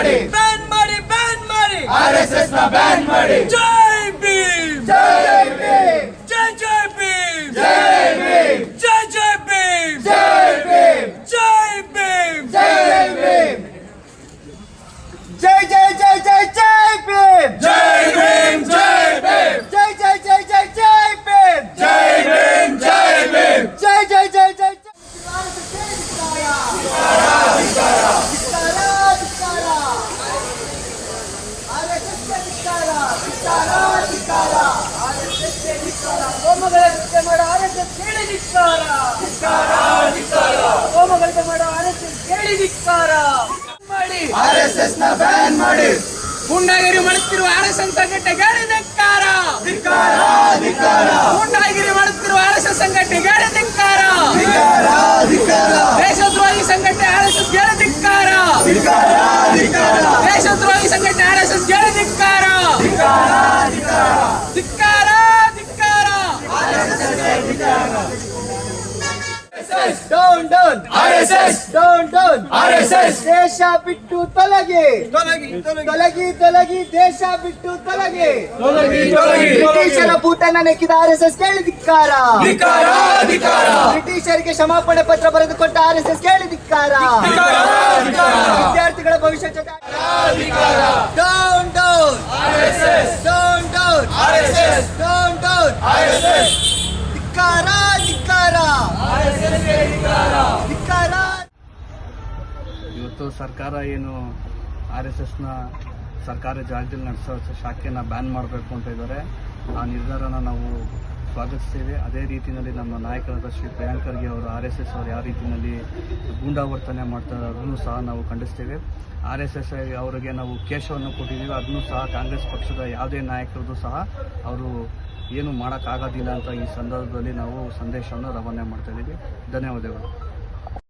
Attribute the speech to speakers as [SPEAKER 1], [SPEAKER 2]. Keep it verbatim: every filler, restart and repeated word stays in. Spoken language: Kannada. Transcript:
[SPEAKER 1] ಮಾಡಿ
[SPEAKER 2] ಬ್ಯಾನ್ ಮಾಡಿ ಬ್ಯಾನ್ ಮಾಡಿ
[SPEAKER 1] ಆರ್ಎಸ್ಎಸ್ ನ ಬ್ಯಾನ್ ಮಾಡಿ
[SPEAKER 2] ಜೈ ಭೀಮ್
[SPEAKER 1] ಜೈ ಭೀಮ್
[SPEAKER 2] ಜೈ ಜೈ ಭೀಮ್
[SPEAKER 1] ಜೈ ಭೀಮ್
[SPEAKER 2] ಜೈ ಜೈ ಭೀಮ್
[SPEAKER 1] ಜೈ ಭೀಮ್
[SPEAKER 2] ಜೈ ಭೀಮ್
[SPEAKER 1] ಜೈ ಭೀಮ್ ಜೈ ಜೈ ಜೈ ಜೈ ಜೈ ಭೀಮ್
[SPEAKER 2] ಜೈ ಭೀಮ್ ಜೈ ಭೀಮ್
[SPEAKER 1] ಜೈ ಜೈ ಜೈ ಜೈ ಜೈ ಭೀಮ್
[SPEAKER 2] ಜೈ ಭೀಮ್ ಜೈ ಭೀಮ್
[SPEAKER 1] ಜೈ ಜೈ ಜೈ ಜೈ
[SPEAKER 2] ಹೋಮಗಳಂತೆ ಮಾಡೋ ಆರ್ಎಸ್ಎಸ್ ಕೇಳಿ ಧಿಕ್ಕಾರ ಹೋಮಗಳಂತೆ ಮಾಡೋ ಆರ್ಎಸ್ಎಸ್ ಕೇಳಿ ಧಿಕ್ಕಾರ ಮಾಡಿ
[SPEAKER 1] ಆರ್ಎಸ್ಎಸ್ ನ ಬ್ಯಾನ್ ಮಾಡಿ
[SPEAKER 2] ಗುಂಡಾಗಿರಿ ಮಾಡುತ್ತಿರುವ ಆರ್ಎಸ್ಎಸ್ ಸಂಘಟನೆಗಳಿಗೆ ಧಿಕ್ಕಾರ
[SPEAKER 1] ಧಿಕ್ಕಾರ ಧಿಕ್ಕಾರ
[SPEAKER 2] ಗುಂಡಾಗಿರಿ ಮಾಡುತ್ತಿರುವ ಆರ್ಎಸ್ಎಸ್ ಸಂಘಟನೆಗಳಿಗೆ ಧಿಕ್ಕಾರ
[SPEAKER 1] ಧಿಕ್ಕಾರ ಧಿಕ್ಕಾರ
[SPEAKER 2] ದೇಶದ್ರೋಹಿ ಸಂಘಟನೆ ಆರ್ಎಸ್ಎಸ್ ಗೆ ಧಿಕ್ಕಾರ
[SPEAKER 1] ಧಿಕ್ಕಾರ ಧಿಕ್ಕಾರ
[SPEAKER 2] ದೇಶದ್ರೋಹಿ ಸಂಘಟನೆ ಆರ್ಎಸ್ಎಸ್ ಗೆ ಧಿಕ್ಕಾರ
[SPEAKER 1] ಧಿಕ್ಕಾರ ಧಿಕ್ಕಾರ
[SPEAKER 2] ಧಿಕ್ಕಾರ ಧಿಕ್ಕಾರ
[SPEAKER 1] down down
[SPEAKER 2] RSS
[SPEAKER 1] down down
[SPEAKER 2] RSS
[SPEAKER 1] ದೇಶ ಬಿಟ್ಟು ತೊಲಗಿ
[SPEAKER 2] ತೊಲಗಿ
[SPEAKER 1] ತೊಲಗಿ ತೊಲಗಿ ದೇಶ ಬಿಟ್ಟು ತೊಲಗಿ
[SPEAKER 2] ತೊಲಗಿ ತೊಲಗಿ
[SPEAKER 1] ಬ್ರಿಟಿಷರ ಭೂತನ ನೆಕ್ಕಿದ ಆರ್ಎಸ್ಎಸ್ ಕೇಳಿ ಧಿಕ್ಕಾರ
[SPEAKER 2] ಧಿಕ್ಕಾರ ಧಿಕ್ಕಾರ
[SPEAKER 1] ಬ್ರಿಟಿಷರಿಗೆ ಕ್ಷಮಾಪಣೆ ಪತ್ರ ಬರೆದು ಕೊಟ್ಟ ಆರ್ಎಸ್ಎಸ್ ಕೇಳಿ ಧಿಕ್ಕಾರ ವಿದ್ಯಾರ್ಥಿಗಳ ಭವಿಷ್ಯ down down
[SPEAKER 2] RSS
[SPEAKER 1] down down
[SPEAKER 2] RSS
[SPEAKER 1] down down
[SPEAKER 2] RSS
[SPEAKER 1] ಧಿಕ್ಕಾರ ಧಿಕ್ಕಾರ ಧಿಕ್ಕಾರ
[SPEAKER 3] ಇವತ್ತು ಸರ್ಕಾರ ಏನು ಆರ್ ಎಸ್ ಎಸ್ನ ಸರ್ಕಾರಿ ಜಾಗದಲ್ಲಿ ನಡೆಸೋ ಶಾಖೆನ ಬ್ಯಾನ್ ಮಾಡಬೇಕು ಅಂತ ಇದ್ದಾರೆ. ಆ ನಿರ್ಧಾರನ ನಾವು ಸ್ವಾಗತಿಸ್ತೇವೆ. ಅದೇ ರೀತಿಯಲ್ಲಿ ನಮ್ಮ ನಾಯಕರಾದ ಶ್ರೀ ಪ್ರಿಯಾಂಕ್ ಖರ್ಗೆ ಅವರು ಆರ್ ಎಸ್ ಎಸ್ ಅವರು ಯಾವ ರೀತಿಯಲ್ಲಿ ಗೂಂಡಾವರ್ತನೆ ಮಾಡ್ತಾರೆ ಅದನ್ನು ಸಹ ನಾವು ಖಂಡಿಸ್ತೇವೆ. ಆರ್ ಎಸ್ ಎಸ್ ಅವರಿಗೆ ನಾವು ಕೇಶವನ್ನು ಕೊಟ್ಟಿದ್ದೀವಿ, ಅದನ್ನು ಸಹ ಕಾಂಗ್ರೆಸ್ ಪಕ್ಷದ ಯಾವುದೇ ನಾಯಕರದ್ದು ಸಹ ಅವರು ಏನು ಮಾಡೋಕ್ಕಾಗೋದಿಲ್ಲ ಅಂತ ಈ ಸಂದರ್ಭದಲ್ಲಿ ನಾವು ಸಂದೇಶವನ್ನು ರವಾನೆ ಮಾಡ್ತಾ ಇದ್ದೀವಿ. ಧನ್ಯವಾದಗಳು.